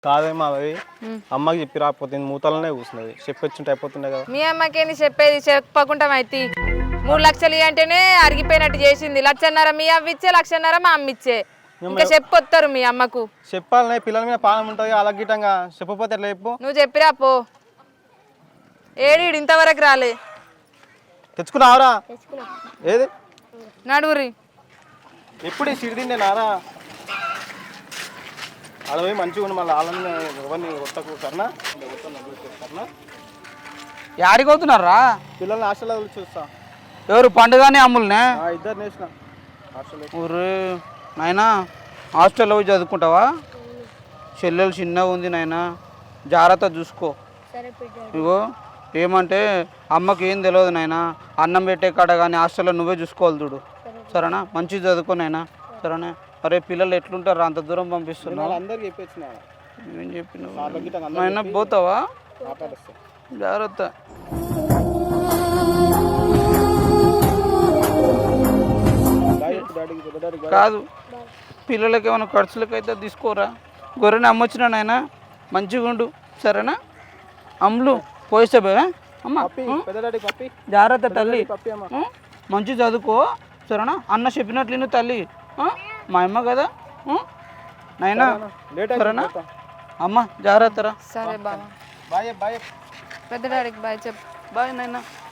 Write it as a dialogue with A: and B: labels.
A: కాదేమో అవి అమ్మకి చెప్పి రాకపోతే మూతలనే కూర్చున్నది చెప్పొచ్చుంటే అయిపోతుండే కదా.
B: మీ అమ్మకేంది చెప్పేది చెప్పకుండా అయితే 3 లక్షలు అంటేనే అరిగిపోయినట్టు చేసింది. 1,50,000 మీ అవ్వ ఇచ్చే 1,00,000 మా అమ్మ ఇచ్చే. ఇంకా చెప్పొత్తారు మీ అమ్మకు.
A: చెప్పాలనే పిల్లల మీద పానం ఉంటుంది అలాగిటంగా చెప్పపోతే ఎట్లా చెప్పు.
B: నువ్వు చెప్పిరా పో. ఏడీడు ఇంతవరకు రాలే.
A: తెచ్చుకున్నావరా? ఏది
B: నడువురి.
A: ఎప్పుడు ఈ సిరిదిండే నారా అలా పోయి మంచిగా ఉండి మళ్ళీ వాళ్ళని ఎవరిని కొట్టకు సరేనా?
C: యాడికి అవుతున్నారా?
A: పిల్లల్ని హాస్టల్లో చూస్తా.
C: ఎవరు పండుగనే అమ్ములనే?
A: ఇద్దరు నేసిన హాస్టల్.
C: ఊరు నాయనా హాస్టల్లో పోయి చదువుకుంటావా? చెల్లెలు చిన్నగా ఉంది నాయనా, జాగ్రత్త చూసుకో. ఇగో ఏమంటే అమ్మకి ఏం తెలియదు నాయనా, అన్నం పెట్టే కాడ కానీ హాస్టల్లో నువ్వే చూసుకోవాలి చూడు సరేనా? మంచిగా చదువుకో నాయనా సరేనా? అరే పిల్లలు ఎట్లుంటారు అంత దూరం పంపిస్తున్నావు?
A: అందరికి చెప్పేసిన
C: ఏం చెప్పినావు నాయనా? పోతావా? జాగ్రత్త. కాదు పిల్లలకి ఏమైనా ఖర్చులకైతే తీసుకోరా. గొర్రెని అమ్మొచ్చినా నాయన మంచిగా ఉండు సరేనా? అమ్ములు పోయిస్తే అమ్మ జాగ్రత్త తల్లి, మంచి చదువుకో సరేనా? అన్న చెప్పినట్లు నువ్వు తల్లి, మా అమ్మ కదా నాయనా సరేనా? అమ్మ జాగ్రత్తరా.
B: సరే బాబా.
A: Bye bye.
B: పెద్ద డాడీకి బాయ్ చెప్పు.
C: బాయ్ నాయనా.